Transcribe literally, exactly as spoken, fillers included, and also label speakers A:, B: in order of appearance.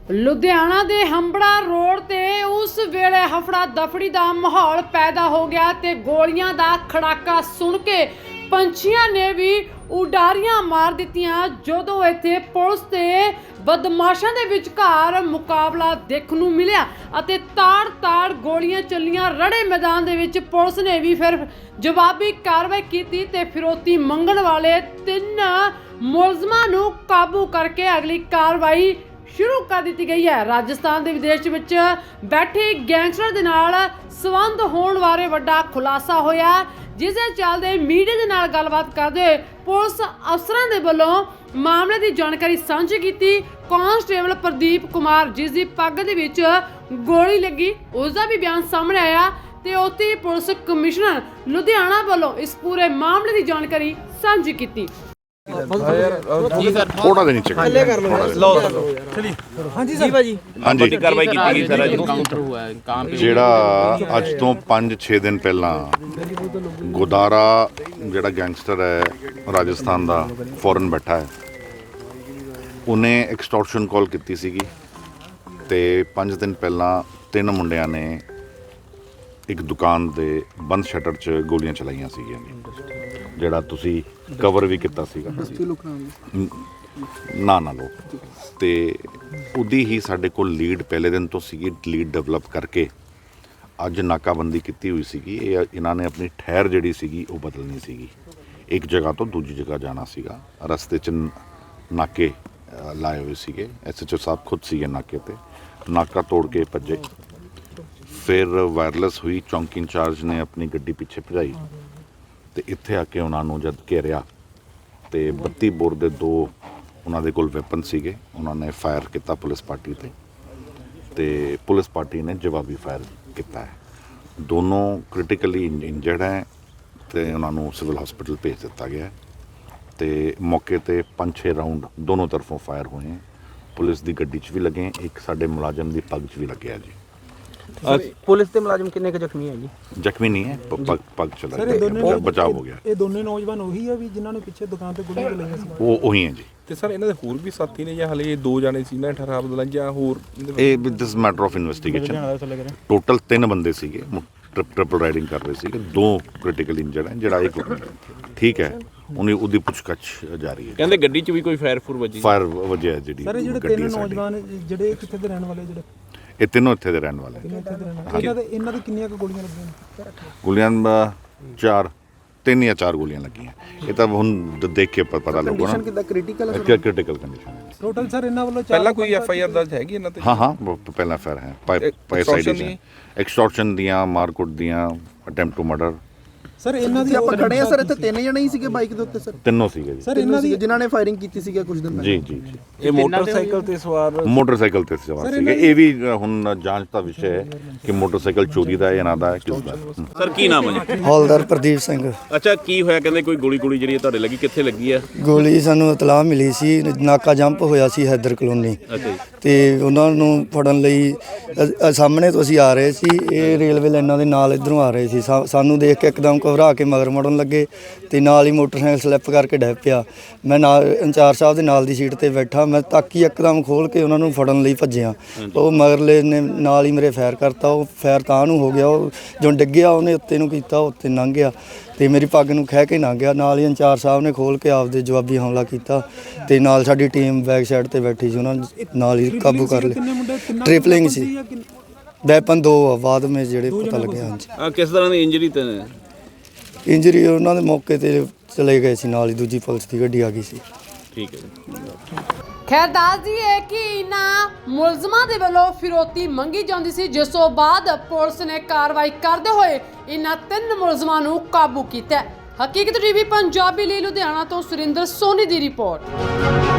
A: ਲੁਧਿਆਣਾ ਦੇ ਹੰਬੜਾ ਰੋਡ ਤੇ ਉਸ ਵੇਲੇ ਹਫੜਾ ਦਫੜੀ ਦਾ ਮਾਹੌਲ ਪੈਦਾ ਹੋ ਗਿਆ ਤੇ ਗੋਲੀਆਂ ਦਾ ਖੜਾਕਾ ਸੁਣ ਕੇ ਪੰਛੀਆਂ ਨੇ ਵੀ ਉਡਾਰੀਆਂ ਮਾਰ ਦਿੱਤੀਆਂ ਜਦੋਂ ਇੱਥੇ ਪੁਲਿਸ ਤੇ ਬਦਮਾਸ਼ਾਂ ਦੇ ਵਿਚਕਾਰ ਮੁਕਾਬਲਾ ਦੇਖਣ ਨੂੰ ਮਿਲਿਆ ਅਤੇ ਤਾੜ-ਤਾੜ ਗੋਲੀਆਂ ਚੱਲੀਆਂ। ਰੜੇ ਮੈਦਾਨ ਦੇ ਵਿੱਚ ਪੁਲਿਸ ਨੇ ਵੀ ਫਿਰ ਜਵਾਬੀ ਕਾਰਵਾਈ ਕੀਤੀ ਤੇ ਫਿਰੌਤੀ ਮੰਗਣ ਵਾਲੇ ਤਿੰਨ ਮੁਲਜ਼ਮਾਂ ਨੂੰ ਕਾਬੂ ਕਰਕੇ ਅਗਲੀ ਕਾਰਵਾਈ ਸ਼ੁਰੂ ਕਰ ਦਿੱਤੀ ਗਈ ਹੈ। ਰਾਜਸਥਾਨ ਦੇ ਵਿਦੇਸ਼ ਵਿੱਚ ਬੈਠੇ ਗੈਂਗਸਟਰ ਦੇ ਨਾਲ ਸੰਬੰਧ ਹੋਣ ਬਾਰੇ ਵੱਡਾ ਖੁਲਾਸਾ ਹੋਇਆ, ਜਿਸ ਦੇ ਚੱਲਦੇ ਮੀਡੀਆ ਦੇ ਨਾਲ ਗੱਲਬਾਤ ਕਰਦੇ ਹੋਏ ਪੁਲਿਸ ਅਫਸਰਾਂ ਦੇ ਵੱਲੋਂ ਮਾਮਲੇ ਦੀ ਜਾਣਕਾਰੀ ਸਾਂਝੀ ਕੀਤੀ। ਕਾਂਸਟੇਬਲ ਪ੍ਰਦੀਪ ਕੁਮਾਰ, ਜਿਸ ਦੀ ਪੱਗ ਦੇ ਵਿੱਚ ਗੋਲੀ ਲੱਗੀ, ਉਸ ਦਾ ਵੀ ਬਿਆਨ ਸਾਹਮਣੇ ਆਇਆ ਤੇ ਉੱਥੇ ਪੁਲਿਸ ਕਮਿਸ਼ਨਰ ਲੁਧਿਆਣਾ ਵੱਲੋਂ ਇਸ ਪੂਰੇ ਮਾਮਲੇ ਦੀ ਜਾਣਕਾਰੀ ਸਾਂਝੀ ਕੀਤੀ।
B: ਥੋੜਾ ਜਿਹਾ ਨੀਚੇ ਥੱਲੇ ਕਰ ਲਓ ਚਲੀ ਹਾਂਜੀ ਸਰ ਭਾਜੀ ਹਾਂਜੀ ਵੱਡੀ ਕਾਰਵਾਈ ਕੀਤੀ ਗਈ ਸਰ।
C: ਕਾਊਂਟਰ हुआ है कहां पे
B: ਜਿਹੜਾ ਅੱਜ ਤੋਂ ਪੰਜ ਛੇ ਦਿਨ ਪਹਿਲਾਂ ਗੋਦਾਰਾ ਜਿਹੜਾ ਗੈਂਗਸਟਰ ਹੈ ਰਾਜਸਥਾਨ ਦਾ ਫੋਰਨ ਬੈਠਾ ਹੈ, ਉਹਨੇ ਐਕਸਟੋਰਸ਼ਨ ਕਾਲ ਕੀਤੀ ਸੀਗੀ ਤੇ ਪੰਜ ਦਿਨ ਪਹਿਲਾਂ ਤਿੰਨ ਮੁੰਡਿਆਂ ਨੇ ਇੱਕ ਦੁਕਾਨ ਦੇ ਬੰਦ ਸ਼ਟਰ 'ਚ ਗੋਲੀਆਂ ਚਲਾਈਆਂ ਸੀਗੀਆਂ, ਜਿਹੜਾ ਤੁਸੀਂ ਕਵਰ ਵੀ ਕੀਤਾ ਸੀਗਾ ਨਾ ਨਾ ਲੋ ਤੇ ਉਹਦੀ ਹੀ ਸਾਡੇ ਕੋਲ ਲੀਡ ਪਹਿਲੇ ਦਿਨ ਤੋਂ ਸੀਗੀ। ਲੀਡ ਡਿਵੈਲਪ ਕਰਕੇ ਅੱਜ ਨਾਕਾਬੰਦੀ ਕੀਤੀ ਹੋਈ ਸੀਗੀ। ਇਹ ਇਹਨਾਂ ਨੇ ਆਪਣੀ ਠਹਿਰ ਜਿਹੜੀ ਸੀਗੀ ਉਹ ਬਦਲਣੀ ਸੀਗੀ, ਇੱਕ ਜਗ੍ਹਾ ਤੋਂ ਦੂਜੀ ਜਗ੍ਹਾ ਜਾਣਾ ਸੀਗਾ। ਰਸਤੇ 'ਚ ਨਾਕੇ ਲਾਏ ਹੋਏ ਸੀਗੇ, ਐਸ ਐਚ ਓ ਸਾਹਿਬ ਖੁਦ ਸੀਗੇ ਨਾਕੇ ਤੇ, ਨਾਕਾ ਤੋੜ ਕੇ ਭੱਜੇ। ਫਿਰ ਵਾਇਰਲੈਸ ਹੋਈ, ਚੌਂਕੀ ਇੰਚਾਰਜ ਨੇ ਆਪਣੀ ਗੱਡੀ ਪਿੱਛੇ ਭਜਾਈ ਤੇ ਇੱਥੇ ਆ ਕੇ ਉਹਨਾਂ ਨੂੰ ਜਦ ਘੇਰਿਆ ਤੇ ਬੱਤੀ ਬੋਰ ਦੇ ਦੋ ਉਹਨਾਂ ਦੇ ਕੋਲ ਵੈਪਨ ਸੀਗੇ, ਉਹਨਾਂ ਨੇ ਫਾਇਰ ਕੀਤਾ ਪੁਲਿਸ ਪਾਰਟੀ ਤੇ ਤੇ ਪੁਲਿਸ ਪਾਰਟੀ ਨੇ ਜਵਾਬੀ ਫਾਇਰ ਕੀਤਾ ਹੈ। ਦੋਨੋਂ ਕ੍ਰਿਟੀਕਲੀ ਇੰਜਰਡ ਹੈ ਤੇ ਉਹਨਾਂ ਨੂੰ ਸਿਵਲ ਹਸਪੀਟਲ ਭੇਜ ਦਿੱਤਾ ਗਿਆ ਤੇ ਮੌਕੇ ਤੇ ਪੰਜ ਛੇ ਰਾਉਂਡ ਦੋਨੋਂ ਤਰਫੋਂ ਫਾਇਰ ਹੋਏ। ਪੁਲਿਸ ਦੀ ਗੱਡੀ 'ਚ ਵੀ ਲੱਗੇ, ਇੱਕ ਸਾਡੇ ਮੁਲਾਜ਼ਮ ਦੀ ਪੱਗ 'ਚ ਵੀ ਲੱਗਿਆ ਜੀ।
C: पुलिस के मुलाजिम कितने के जख्मी है जी?
B: ਜ਼ਖਮੀ ਨਹੀਂ ਹੈ, ਪੱਗ ਪੱਗ ਚਲਾ ਗਿਆ, ਬਚਾਅ ਹੋ ਗਿਆ।
D: ਇਹ ਦੋਨੇ ਨੌਜਵਾਨ ਉਹੀ ਆ ਵੀ ਜਿਨ੍ਹਾਂ ਨੇ ਪਿੱਛੇ ਦੁਕਾਨ ਤੇ ਗੋਲੀਆਂ ਚਲਾਈਆਂ ਸੀ?
B: ਉਹ ਉਹੀ ਹੈ ਜੀ।
E: ਤੇ ਸਰ ਇਹਨਾਂ ਦੇ ਹੋਰ ਵੀ ਸਾਥੀ ਨੇ ਜਾਂ ਹਲੇ ਦੋ ਜਾਣੇ ਸੀ ਨਾ ਠਹਿਰਾਵ ਦਲਾਂ ਜਾਂ ਹੋਰ?
B: ਇਹ this matter of investigation. Total ਤਿੰਨ ਬੰਦੇ ਸੀਗੇ, ਟ੍ਰਿਪ ਟ੍ਰਿਪਲ ਰਾਈਡਿੰਗ ਕਰ ਰਹੇ ਸੀਗੇ। ਦੋ ਕ੍ਰਿਟੀਕਲ ਇੰਜਰਡ ਹੈ, ਜਿਹੜਾ ਇੱਕ ਠੀਕ ਹੈ, ਉਹਨੇ ਉਹਦੀ ਪੁੱਛਗਛ ਜਾਰੀ ਹੈ।
E: ਕਹਿੰਦੇ ਗੱਡੀ 'ਚ ਵੀ ਕੋਈ ਫਾਇਰ ਫੂਰ ਵੱਜੀ?
B: ਫਾਇਰ ਵਜਿਆ ਜਿਹੜੀ
D: ਸਰ ਜਿਹੜੇ ਤਿੰਨ ਨੌਜਵਾਨ ਜਿਹੜੇ ਕਿੱਥੇ ਦੇ ਰਹਿਣ ਵਾਲੇ? ਜਿਹੜੇ
B: ਇਹ ਤਿੰਨੋਂ ਇੱਥੇ ਦੇ ਰਹਿਣ ਵਾਲੇ।
D: ਇਹਨਾਂ ਦੇ ਇਹਨਾਂ ਦੀ ਕਿੰਨੀਆਂ ਕੁ ਗੋਲੀਆਂ ਲੱਗੀਆਂ?
B: ਗੋਲੀਆਂ ਚਾਰ ਤਿੰਨ ਜਾਂ ਚਾਰ ਗੋਲੀਆਂ ਲੱਗੀਆਂ। ਇਹ ਤਾਂ ਹੁਣ ਦੇਖ ਕੇ ਪਤਾ ਲੱਗੂਗਾ ਨਾ।
D: ਕੰਡੀਸ਼ਨ ਕਿੱਦਾਂ ਕ੍ਰਿਟੀਕਲ ਹੈ?
B: ਕ੍ਰਿਟੀਕਲ ਕੰਡੀਸ਼ਨ ਹੈ
D: ਟੋਟਲ ਸਰ ਇਹਨਾਂ ਵੱਲੋਂ
E: ਪਹਿਲਾਂ ਕੋਈ ਐਫ ਆਈ ਆਰ ਦਰਜ ਹੈਗੀ ਇਹਨਾਂ ਤੇ?
B: ਹਾਂ ਹਾਂ ਪਹਿਲਾਂ ਫਾਇਰ ਹੈ, ਪੈਸਾਈਡ ਐਕਸਟੋਰਸ਼ਨ ਦੀਆਂ, ਮਾਰਕੁੱਟ ਦੀਆਂ, ਅਟੈਂਪਟ ਟੂ ਮਰਡਰ।
D: ਸਰ ਇਹਨਾਂ ਦੀ
F: ਆਪਾਂ ਖੜੇ ਆ ਸਰ, ਇੱਥੇ ਤਿੰਨ ਜਣੇ ਹੀ ਸੀਗੇ ਬਾਈਕ ਦੇ ਉੱਤੇ ਸਰ?
B: ਤਿੰਨੋਂ ਸੀਗੇ ਜੀ।
D: ਸਰ ਇਹਨਾਂ ਦੀ
F: ਜਿਨ੍ਹਾਂ ਨੇ ਫਾਇਰਿੰਗ ਕੀਤੀ ਸੀਗਾ ਕੁਝ ਦਿਨ
B: ਜੀ ਜੀ ਜੀ।
E: ਇਹ ਮੋਟਰਸਾਈਕਲ ਤੇ ਸਵਾਰ
B: ਮੋਟਰਸਾਈਕਲ ਤੇ ਸਵਾਰ ਸੀਗੇ। ਇਹ ਵੀ ਹੁਣ ਜਾਂਚ ਦਾ ਵਿਸ਼ਾ ਹੈ ਕਿ ਮੋਟਰਸਾਈਕਲ ਚੋਰੀ ਦਾ ਹੈ ਜਾਂ ਨਾ ਦਾ ਹੈ, ਕਿਸ ਦਾ।
E: ਸਰ ਕੀ ਨਾਮ ਹੈ ਜੀ?
G: ਹੌਲਦਾਰ ਪ੍ਰਦੀਪ ਸਿੰਘ।
E: ਅੱਛਾ, ਕੀ ਹੋਇਆ? ਕਹਿੰਦੇ ਕੋਈ ਗੋਲੀ ਗੋਲੀ ਜਿਹੜੀ ਤੁਹਾਡੇ ਲੱਗੀ, ਕਿੱਥੇ ਲੱਗੀ ਹੈ?
G: ਗੋਲੀ ਸਾਨੂੰ ਇਤਲਾਹ ਮਿਲੀ ਸੀ, ਨਾਕਾ ਜੰਪ ਹੋਇਆ ਸੀ ਹੈਦਰ ਕਲੋਨੀ ਤੇ ਉਹਨਾਂ ਨੂੰ ਫੜਨ ਲਈ ਅ- ਸਾਹਮਣੇ ਤੋਂ ਅਸੀਂ ਆ ਰਹੇ ਸੀ। ਇਹ ਰੇਲਵੇ ਲਾਈਨਾਂ ਦੇ ਨਾਲ ਇੱਧਰੋਂ ਆ ਰਹੇ ਸੀ। ਸਾ- ਸਾਨੂੰ ਦੇਖ ਕੇ ਇੱਕਦਮ ਘਬਰਾ ਕੇ ਮਗਰ ਮੁੜਨ ਲੱਗੇ ਤੇ ਨਾਲ ਹੀ ਮੋਟਰਸਾਈਕਲ ਸਲਿੱਪ ਕਰਕੇ ਡਿੱਗ ਪਿਆ। ਮੈਂ ਨਾਲ ਇੰਚਾਰਜ ਸਾਹਿਬ ਦੇ ਨਾਲ ਦੀ ਸੀਟ ਤੇ ਬੈਠਾ, ਮੈਂ ਤਾਕੀ ਇੱਕਦਮ ਖੋਲ ਕੇ ਉਹਨਾਂ ਨੂੰ ਫੜਨ ਲਈ ਭੱਜਿਆ। ਉਹ ਮਗਰਲੇ ਨੇ ਨਾਲ ਹੀ ਮੇਰੇ ਫਾਇਰ ਕਰਤਾ। ਉਹ ਫਾਇਰ ਤਾਂ ਨੂੰ ਹੋ ਗਿਆ, ਉਹ ਜੋ ਡਿੱਗਿਆ ਉਹਨੇ ਉੱਤੇ ਨੂੰ ਕੀਤਾ, ਉੱਤੇ ਲੰਘ ਗਿਆ ਤੇ ਮੇਰੀ ਪੱਗ ਨੂੰ ਖਹਿ ਕੇ ਲੰਘ ਗਿਆ। ਨਾਲ ਹੀ ਇੰਚਾਰਜ ਸਾਹਿਬ ਨੇ ਖੋਲ ਕੇ ਆਪਦੇ ਜਵਾਬੀ ਹਮਲਾ ਕੀਤਾ ਤੇ ਨਾਲ ਸਾਡੀ ਟੀਮ ਬੈਕ ਸਾਈਡ ਤੇ ਬੈਠੀ ਸੀ, ਉਹਨਾਂ ਨਾਲ ਹੀ ਕਾਬੂ ਕਰ ਲਿਆ। ਟ੍ਰਿਪਲਿੰਗ ਸੀ, ਵੈਪਨ ਦੋ ਆ ਬਾਅਦ ਵਿੱਚ ਜਿਹੜੇ ਪਤਾ ਲੱਗਿਆ। ਹਾਂਜੀ,
E: ਕਿਸ ਤਰ੍ਹਾਂ ਦੀ ਇੰਜਰੀ ਤੇ?
G: ਇੰਜਰੀ ਉਹਨਾਂ ਦੇ ਮੌਕੇ ਤੇ ਚਲੇ ਗਏ ਸੀ, ਨਾਲ ਹੀ ਦੂਜੀ ਪੁਲਿਸ ਦੀ ਗੱਡੀ ਆ ਗਈ ਸੀ।
E: ਠੀਕ ਹੈ।
A: ਖੈਰ ਦੱਸਦੀ ਹੈ ਕਿ ਇਹਨਾਂ ਮੁਲਜ਼ਮਾਂ ਦੇ ਵੱਲੋਂ ਫਿਰੌਤੀ ਮੰਗੀ ਜਾਂਦੀ ਸੀ, ਜਿਸ ਤੋਂ ਬਾਅਦ ਪੁਲਿਸ ਨੇ ਕਾਰਵਾਈ ਕਰਦੇ ਹੋਏ ਇਹਨਾਂ ਤਿੰਨ ਮੁਲਜ਼ਮਾਂ ਨੂੰ ਕਾਬੂ ਕੀਤਾ। ਹਕੀਕਤ ਟੀਵੀ ਪੰਜਾਬੀ ਲਈ ਲੁਧਿਆਣਾ ਤੋਂ ਸੁਰਿੰਦਰ ਸੋਨੀ ਦੀ ਰਿਪੋਰਟ।